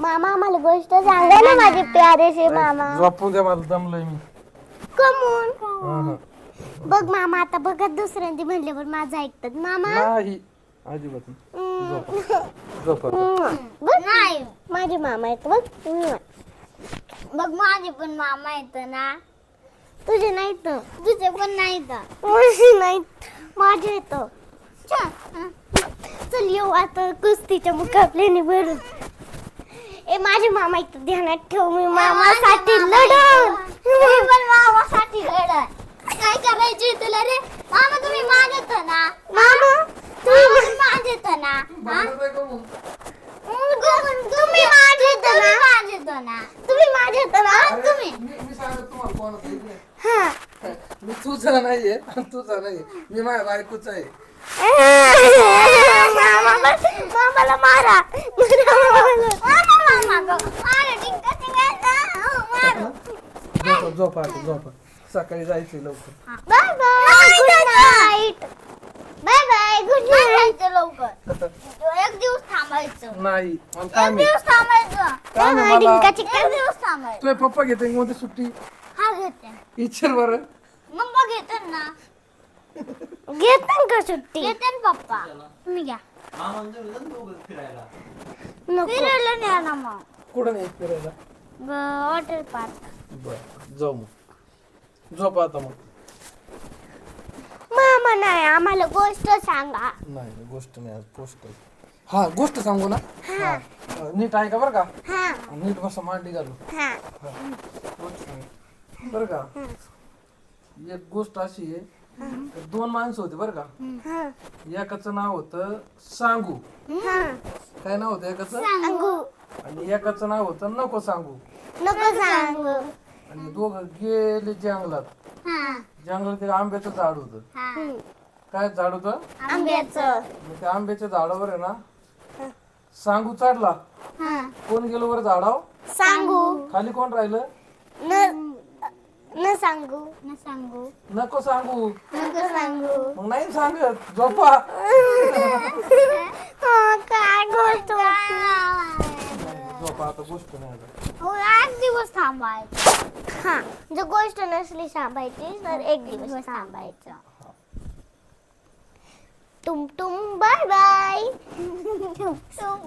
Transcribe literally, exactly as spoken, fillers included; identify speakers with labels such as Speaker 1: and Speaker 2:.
Speaker 1: मामा आम्हाला गोष्ट सांगा ना माझे प्यारेसे मामा.
Speaker 2: झोपून द्या मला दमलोय मी.
Speaker 1: कमून
Speaker 2: हा, हा.
Speaker 1: बघ मामा आता बघत दुसऱ्यांदी म्हणल्यावर माझं ऐकतात मामा.
Speaker 2: नाही अजिबात नाही. झोपा. झोपा आता.
Speaker 1: बघ नाही माझे मामा आहेत बघ.
Speaker 3: बघ माझे पण मामा येत ना.
Speaker 1: तुझे नाहीत
Speaker 3: तुझे पण नाही तर
Speaker 1: माझे नाहीत माझे येत. चल येऊ आता कुस्तीच्या मुकाबल्याने भरून. ए माझे मामा इथं ध्यानात ठेव मी मामासाठी लढन.
Speaker 3: मी पण मामासाठी लढत. काय करायचे तुला रे मामा? तुम्ही माझेत ना
Speaker 1: मामा
Speaker 3: तुम्ही माझेत ना.
Speaker 1: तुम्ही माझे येत
Speaker 3: तुम्ही
Speaker 1: ना
Speaker 3: माझेत ना.
Speaker 1: तुम्ही माझे येत ना
Speaker 3: तुम्ही
Speaker 2: मी मी सांगत तुम्हाला कोणाचं ऐकलंय?
Speaker 1: हा.
Speaker 2: मी तुझा नाहीये तुझा नाही मी माझ्या बायकोचा आहे.
Speaker 1: मामा मामाला मारा
Speaker 3: मामा मामा मारा टिंका टिंका मारो.
Speaker 2: झोपा झोपा आता झोपा. सकाळी जायचंय लवकर.
Speaker 1: Bye bye good night. Bye bye good
Speaker 3: नाही
Speaker 1: नाईट.
Speaker 3: जायचं लवकर. एक दिवस थांबायचं.
Speaker 2: नाही मला
Speaker 3: एक
Speaker 2: काम आहे.
Speaker 3: दिवस थांबायचं.
Speaker 2: काम आहे मला.
Speaker 1: डिंकाची
Speaker 3: एक दिवस थांबायचं.
Speaker 2: तुझे पप्पा घेते मध्ये सुट्टी
Speaker 3: हा घेते.
Speaker 2: इच्छर बरं.
Speaker 3: मग मग घेते ना.
Speaker 1: घेत का सुट्टी
Speaker 3: घेते ना पप्पा. तुम्ही घ्या.
Speaker 1: नको
Speaker 3: फिरायला न्या ना मग.
Speaker 2: कुठं नाही फिरायला.
Speaker 3: Water park.
Speaker 2: बर जाऊ मग. झोपा आता मग.
Speaker 1: मामा नाही आम्हाला गोष्ट सांगा.
Speaker 2: नाही नाही, गोष्ट नाही आज पोस्ट हा गोष्ट सांगू ना. हा अं, नीट ऐका बरं का.
Speaker 1: हा
Speaker 2: नीट बसा मांडी घालू.
Speaker 1: हा
Speaker 2: हा. गोष्ट सांग. बरं का एक गोष्ट अशी आहे. दोन माणसं होते बरं का.
Speaker 1: हा
Speaker 2: एकाचं नाव होतं सांगू.
Speaker 1: हा
Speaker 2: काय नाव होतं एकाचं
Speaker 1: सांगू
Speaker 2: आणि एकाचं नाव होतं नको सांगू.
Speaker 1: नको सांगू.
Speaker 2: आणि दोघं गेले जंगलात.
Speaker 3: हा
Speaker 2: जंगलात एक आंब्याचं झाड होतं.
Speaker 3: हा
Speaker 1: हम्म.
Speaker 2: काय झाड होतं.
Speaker 1: आंब्याचं
Speaker 2: आणि त्या आंब्याच्या झाडावर आहे ना सांगू चढला.
Speaker 3: हा
Speaker 2: कोण गेलो वर झाडाव
Speaker 1: सांगू
Speaker 2: खाली कोण राहिलं.
Speaker 1: न न सांगू
Speaker 3: न सांगू.
Speaker 2: नको सांगू.
Speaker 1: नको सांगू.
Speaker 2: मग नाही सांगत झोपा.
Speaker 1: हा, काय गोष्ट होती?
Speaker 2: झोपा आता गोष्ट नाही आता.
Speaker 3: हो आठ दिवस थांबायचं.
Speaker 1: हा जर गोष्ट नसली सांभाळायची तर एक दिवस थांबायचं. तुम तुम बाय बाय.